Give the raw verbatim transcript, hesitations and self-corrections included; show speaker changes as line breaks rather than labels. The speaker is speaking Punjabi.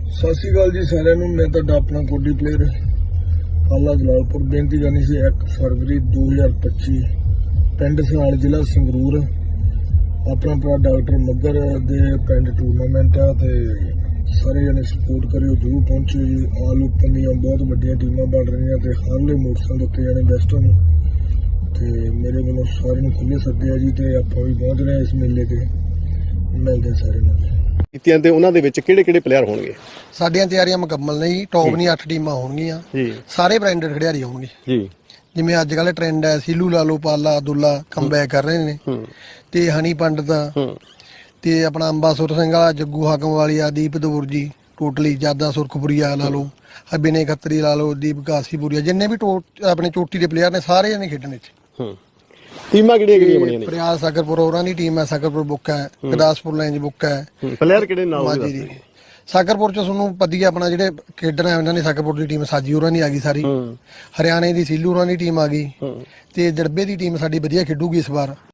ਸਤਿ ਸ਼੍ਰੀ ਅਕਾਲ ਜੀ ਸਾਰਿਆਂ ਨੂੰ। ਮੈਂ ਤੁਹਾਡਾ ਆਪਣਾ ਕੋਡੀ ਪਲੇਅਰ ਆਲਾ ਜਲਾਲਪੁਰ। ਬੇਨਤੀ ਕਰਨੀ ਸੀ ਇੱਕ ਫਰਵਰੀ ਦੋ ਹਜ਼ਾਰ ਪੱਚੀ ਪਿੰਡ ਸਾਲ ਜ਼ਿਲ੍ਹਾ ਸੰਗਰੂਰ ਆਪਣਾ ਭਰਾ ਡਾਕਟਰ ਮੱਗਰ ਦੇ ਪਿੰਡ ਟੂਰਨਾਮੈਂਟ ਆ ਤੇ ਸਾਰੇ ਜਣੇ ਸਪੋਰਟ ਕਰਿਓ, ਜ਼ਰੂਰ ਪਹੁੰਚਿਓ ਜੀ। ਆਲ ਓਪਨ ਦੀਆਂ ਬਹੁਤ ਵੱਡੀਆਂ ਟੀਮਾਂ ਬਣ ਰਹੀਆਂ ਤੇ ਹਾਰਲੇ ਮੋਟਰਸਾਈਕਲ ਉੱਤੇ ਜਾਣੇ ਬੈਸਟਾਂ ਨੂੰ ਤੇ ਮੇਰੇ ਵੱਲੋਂ ਸਾਰਿਆਂ ਨੂੰ ਖੁੱਲ੍ਹੇ ਸੱਦੇ ਆ ਜੀ ਤੇ ਆਪਾਂ ਵੀ ਪਹੁੰਚ ਰਹੇ ਇਸ ਮੇਲੇ ਤੇ। ਮਿਲਦੇ ਸਾਰੇ ਨਾਲ
ਕੀਤੀਆਂ ਤੇ ਉਹਨਾਂ ਦੇ ਵਿੱਚ ਕਿਹੜੇ ਕਿਹੜੇ ਪਲੇਅਰ ਹੋਣਗੇ?
ਸਾਡੀਆਂ ਤਿਆਰੀਆਂ ਮੁਕੰਮਲ ਨੇ ਜੀ। ਟੌਪ ਦੀਆਂ ਅੱਠ ਟੀਮਾਂ ਹੋਣਗੀਆਂ ਜੀ। ਸਾਰੇ ਬ੍ਰਾਂਡਡ ਖਿਡਾਰੀ ਹੋਣਗੇ ਜੀ। ਜਿਵੇਂ ਅੱਜ ਕੱਲ੍ਹ ਟ੍ਰੈਂਡ ਹੈ, ਸੀਲੂ ਲਾ ਲਓ, ਪਾਲਾ ਅਬਦੁੱਲਾ ਕਮਬੈਕ ਕਰ ਰਹੇ ਨੇ ਤੇ ਹਨੀ ਪੰਡਤ ਤੇ ਆਪਣਾ ਅੰਬਾਸੁਰ ਸਿੰਘ ਵਾਲਾ, ਜੱਗੂ ਹਾਕਮ ਵਾਲੀਆ, ਦੀਪ ਦੂਰ ਜੀ, ਟੋਟਲੀ ਜਾਦਾ ਸੁਰਖਪੁਰੀਆ ਲਾ ਲਓ, ਬਿਨੇ ਖੱਤਰੀ ਲਾ ਲਓ, ਦੀਪ ਕਾਸੀਪੁਰੀਆ, ਜਿੰਨੇ ਵੀ ਆਪਣੇ ਚੋਟੀ ਦੇ ਪਲੇਅਰ ਨੇ ਸਾਰੇ ਜਣੇ ਖੇਡਣ ਵਿੱਚ।
ਟੀਮਾਂ ਕਿਹੜੀਆਂ ਕਿਹੜੀਆਂ ਬਣੀਆਂ ਨੇ?
ਪ੍ਰਿਆਸ ਸਾਗਰਪੁਰ ਉਹਨਾਂ ਦੀ ਟੀਮ ਹੈ, ਸਾਗਰਪੁਰ ਬੁੱਕ ਹੈ, ਗੁਰਦਾਸਪੁਰ ਲੈਂਜ ਬੁੱਕ ਹੈ।
ਪਲੇਅਰ ਕਿਹੜੇ ਨਾਮ ਦੇ?
ਸਾਗਰਪੁਰ ਚ ਤੁਹਾਨੂੰ ਪਤੀ ਆਪਣਾ ਜਿਹੜੇ ਖੇਡਣ ਆ ਉਹਨਾਂ ਨੇ, ਸਾਗਰਪੁਰ ਦੀ ਟੀਮ ਸਾਜੀ ਹੋਰਾਂ ਦੀ ਆ ਗਈ ਸਾਰੀ, ਹਰਿਆਣੇ ਦੀ ਸੀਲੂ ਹੋਰਾਂ ਦੀ ਟੀਮ ਆ ਗਈ ਤੇ ਜੜਬੇ ਦੀ ਟੀਮ ਸਾਡੀ ਵਧੀਆ ਖੇਡੂਗੀ ਇਸ ਵਾਰ।